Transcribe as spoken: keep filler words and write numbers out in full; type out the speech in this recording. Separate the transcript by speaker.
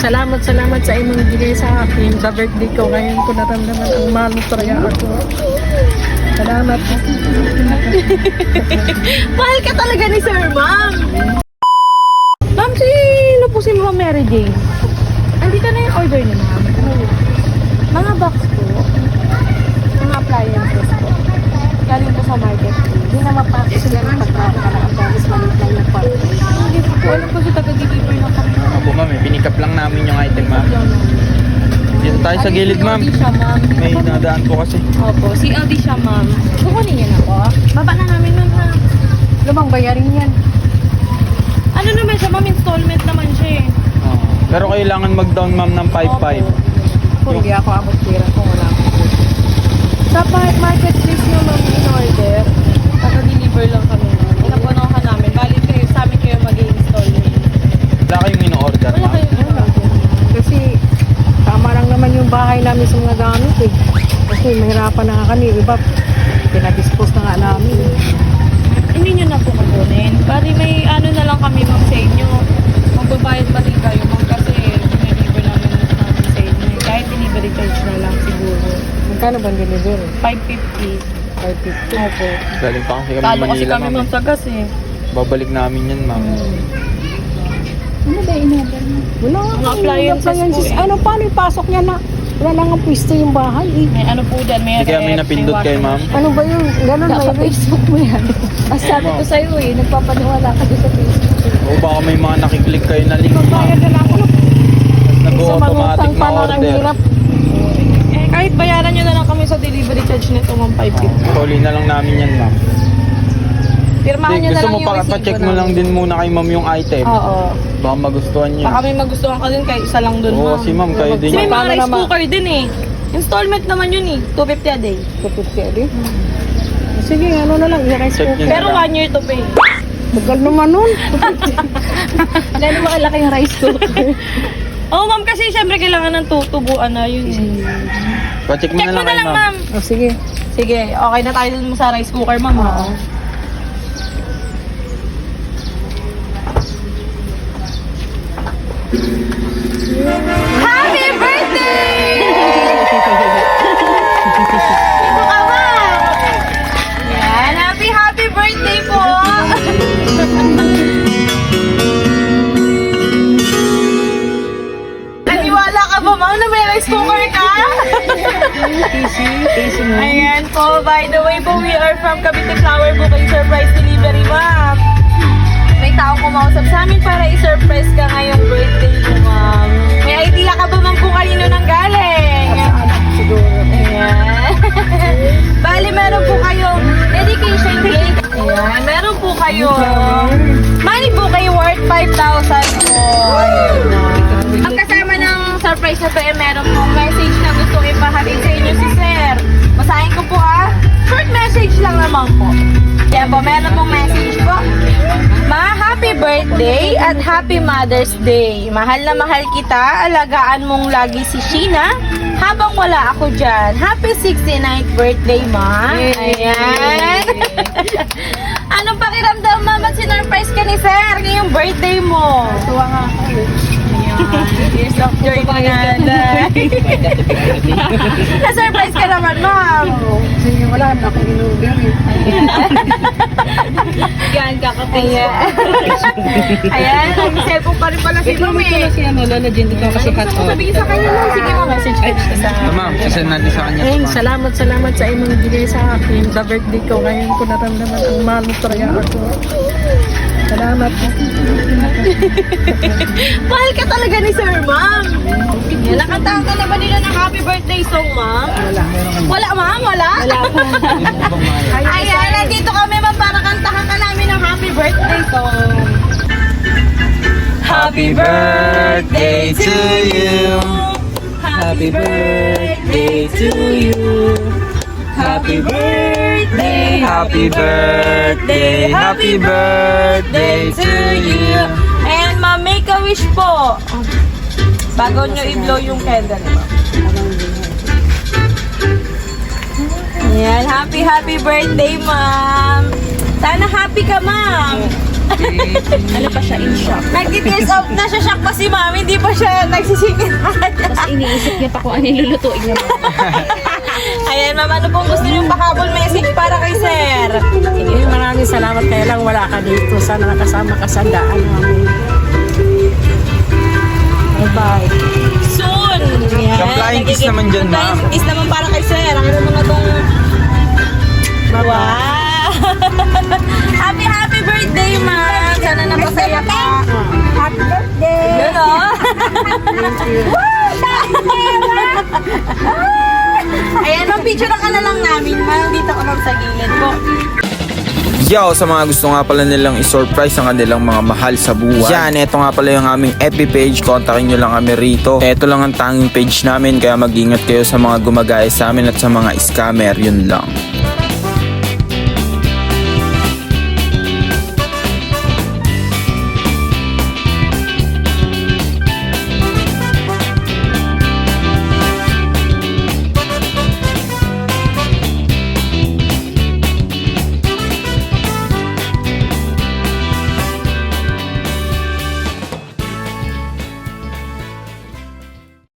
Speaker 1: Salamat, salamat sa inyong bigay sa akin. Sa birthday ko, ngayon ko naramdaman ang mahal mo talaga ako. Salamat.
Speaker 2: Mahal ka talaga ni Sir, ma'am. Ma'am, sino po si Ma'am Mary Jane? Andito na yung order niyo, ma'am. Mga box po. Mga appliances po. Galing po sa market. Hindi na mapakit sila ng pagkakala. Ang promise maliit lang yung part. Hindi po po. Alam ko si taga-deliver na kami.
Speaker 3: Opo ma'am, eh, pinikap lang namin yung item ma'am. Dito tayo sa gilid ma'am.
Speaker 2: C L D siya, ma'am.
Speaker 3: May nadaan po kasi.
Speaker 2: Opo, C L D siya, ma'am. Kukunin niya na po. Baba na namin nun, ha?
Speaker 1: Lumang bayarin yan.
Speaker 2: Ano naman siya, ma'am? Installment naman siya, eh.
Speaker 3: Oo. Pero kailangan mag-down ma'am ng five five.
Speaker 1: Kung hindi ako abot pira kung wala ako.
Speaker 2: Sa pa- marketplace nyo, ma'am, in order, naka-deliver lang kami. Inapunahan namin. Bali kayo, sa amin kayo mag-i-install.
Speaker 3: Wala kayong in-order
Speaker 2: Wala
Speaker 3: ma'am.
Speaker 2: kayo in-order.
Speaker 1: Kasi tama lang naman yung bahay namin sa mga gamit eh. Kasi mahirapan na nga kami. Iba, pinadispose na nga namin.
Speaker 2: Hindi nyo na po kukunin. Bali may ano na lang kami, ma'am, sa inyo. Magbabayad pa rin kayo, ma'am, kasi deliver namin namin sa inyo. Kahit delivery charge na lang siguro.
Speaker 1: Magkano ba deliver?
Speaker 2: five fifty.
Speaker 1: five fifty.
Speaker 2: Opo.
Speaker 3: Galing pa kasi kami
Speaker 2: Talo kasi
Speaker 3: Manila
Speaker 2: kami,
Speaker 3: ma'am.
Speaker 2: ma'am, sa gas eh.
Speaker 3: Babalik namin yan ma'am.
Speaker 1: Ano ba in-order mo? Wala nga.
Speaker 2: Mga appliances po eh.
Speaker 1: Ano, paano ipasok niya na? Wala lang ang pwesto yung bahay eh.
Speaker 2: May ano po dyan, may
Speaker 3: Hindi kaya may napindot kayo ma'am.
Speaker 1: Ano ba yun? Ganun ba yun?
Speaker 2: Facebook mo yan. As sabi ko sa'yo eh, nagpapaniwala ka doon sa Facebook.
Speaker 3: O baka may mga nakiklik kayo na link ma'am.
Speaker 1: Bayad na lang ako.
Speaker 3: Nag-automatic na
Speaker 1: Ang
Speaker 3: order.
Speaker 1: hirap.
Speaker 2: Eh, kahit bayaran nyo na lang kami sa delivery charge nito, ma'am, five fifty.
Speaker 3: Huli na lang namin yan ma'am.
Speaker 2: Pirmahan
Speaker 3: Hindi,
Speaker 2: nyo na
Speaker 3: gusto
Speaker 2: lang
Speaker 3: mo
Speaker 2: yung
Speaker 3: pa,
Speaker 2: resibo
Speaker 3: pa-check mo
Speaker 2: namin.
Speaker 3: lang din muna kay ma'am yung item.
Speaker 2: Oo.
Speaker 3: Baka magustuhan niyo.
Speaker 2: Baka may magustuhan ka din, kahit isa lang doon,
Speaker 3: Oo,
Speaker 2: ma'am.
Speaker 3: si ma'am kayo din.
Speaker 2: Kasi may mga
Speaker 1: Paano
Speaker 2: rice
Speaker 1: naman?
Speaker 2: cooker din eh. Installment naman yun eh, two fifty a day.
Speaker 1: two fifty adi. Sige, ano na lang. I-rice
Speaker 3: Check
Speaker 1: cooker.
Speaker 3: nyo.
Speaker 2: Pero one year to pay.
Speaker 1: Tagal naman nun.
Speaker 2: Lalo makalaki yung rice cooker. Oo, ma'am, kasi syempre kailangan ng tutubuan na yun eh.
Speaker 3: Pa-check mo
Speaker 2: Check
Speaker 3: na
Speaker 2: mo
Speaker 3: lang
Speaker 2: na
Speaker 3: kay
Speaker 2: lang,
Speaker 3: ma'am.
Speaker 2: ma'am.
Speaker 1: Oh, sige.
Speaker 2: Sige, okay na tayo dun sa rice cooker, ma'am. Oo. Happy birthday! Ito ka, ma'am. Yan, happy, happy birthday po! Naniwala ka ba, ma'am, na may rice cooker ka?
Speaker 1: Easy. Easy mo.
Speaker 2: Ayan po, by the way po, we are from Cavite Flower Bouquet Surprise Delivery, ma'am. May taong kumausap sa amin para i-surprise ka ngayong birthday mo, ma'am. May idea ka ba, ma'am, kung kanino nang galing?
Speaker 1: Siguro.
Speaker 2: Ayan. Bali, meron po kayong dedication cake. Ayan, meron po kayong money bouquet worth five thousand po. Ayan. Ang kasama ng surprise na to, eh, meron pong message na gusto ipahatid sa inyo si Sir. Basahin ko po ah. Short message lang naman po. Yan po, meron pong message po. Ma, happy birthday at happy Mother's Day. Mahal na mahal kita. Alagaan mong lagi si Sheena habang wala ako dyan. Happy sixty-ninth birthday, Ma. Ayan. Anong pakiramdam, ma'am, at sinurprise ka ni Sir ngayong birthday mo?
Speaker 1: Tuwa nga ako eh.
Speaker 2: Years of joy na na-surprise ka naman, ma'am.
Speaker 1: Sige, wala na akong in-order eh.
Speaker 2: Yan, kakapost. Ayan. Ayan, nag-cellphone pa rin pala si ma'am eh.
Speaker 1: si ano, Lola Jen, di ka kasi
Speaker 2: Gusto mo sabihin sa kanya, ma'am? Sige, ma'am, message ka sa...
Speaker 3: Ah, ma'am, kasi natin sa kanya.
Speaker 1: Ayun, salamat, salamat sa inyong bigay sa akin. Sa birthday ko, ngayon ko naramdaman ang mahal mo talaga ako. Salamat.
Speaker 2: Mahal ka talaga ni Sir, ma'am. Yan, nakatahan ka na ba nila ng happy birthday song, ma'am?
Speaker 1: Wala.
Speaker 2: Wala, ma'am? Wala? Wala pa. Ayan, nandito kami, ma'am, para kantahan ka namin ng happy birthday song.
Speaker 3: Happy birthday to you.
Speaker 2: Happy birthday to you. Happy birthday,
Speaker 3: Happy birthday, happy birthday to you.
Speaker 2: And ma'am, make a wish po. Bago nyo i-blow yung candle, ma'am. Ayan, happy, happy birthday, ma'am. Sana happy ka, ma'am.
Speaker 4: Ano pa siya, in shock.
Speaker 2: Nag-tears out na siya, shock pa si mami, hindi pa siya nagsisingit.
Speaker 4: Tapos iniisip niya pa kung ano yung lulutuin niya.
Speaker 2: Ayan, ma'am, ano pong gusto niyong pahabol message para kay sir?
Speaker 1: Sige, maraming salamat kaya lang wala ka dito. Sana nakasama ka sa daan namin. Bye-bye.
Speaker 2: Soon! Yan.
Speaker 3: Yung flying kiss naman dyan,
Speaker 2: Yung flying
Speaker 3: ma'am.
Speaker 2: kiss naman para kay sir. Ang mo na tong...
Speaker 1: Bye-bye.
Speaker 2: Wow! Happy, happy birthday, ma'am! Sana napasaya ka.
Speaker 1: Happy birthday!
Speaker 2: Yun, oh! Ayan, ma'am, picture ka na lang namin, ma'am. Dito ko lang sa gilid po.
Speaker 3: Yo, sa mga gusto nga pala nilang i-surprise ang kanilang mga mahal sa buwan. Yan, eto nga pala yung aming F B page. Kontakin nyo lang kami rito. Eto lang ang tanging page namin, kaya mag-ingat kayo sa mga gumagaya sa amin at sa mga scammer. Yun lang.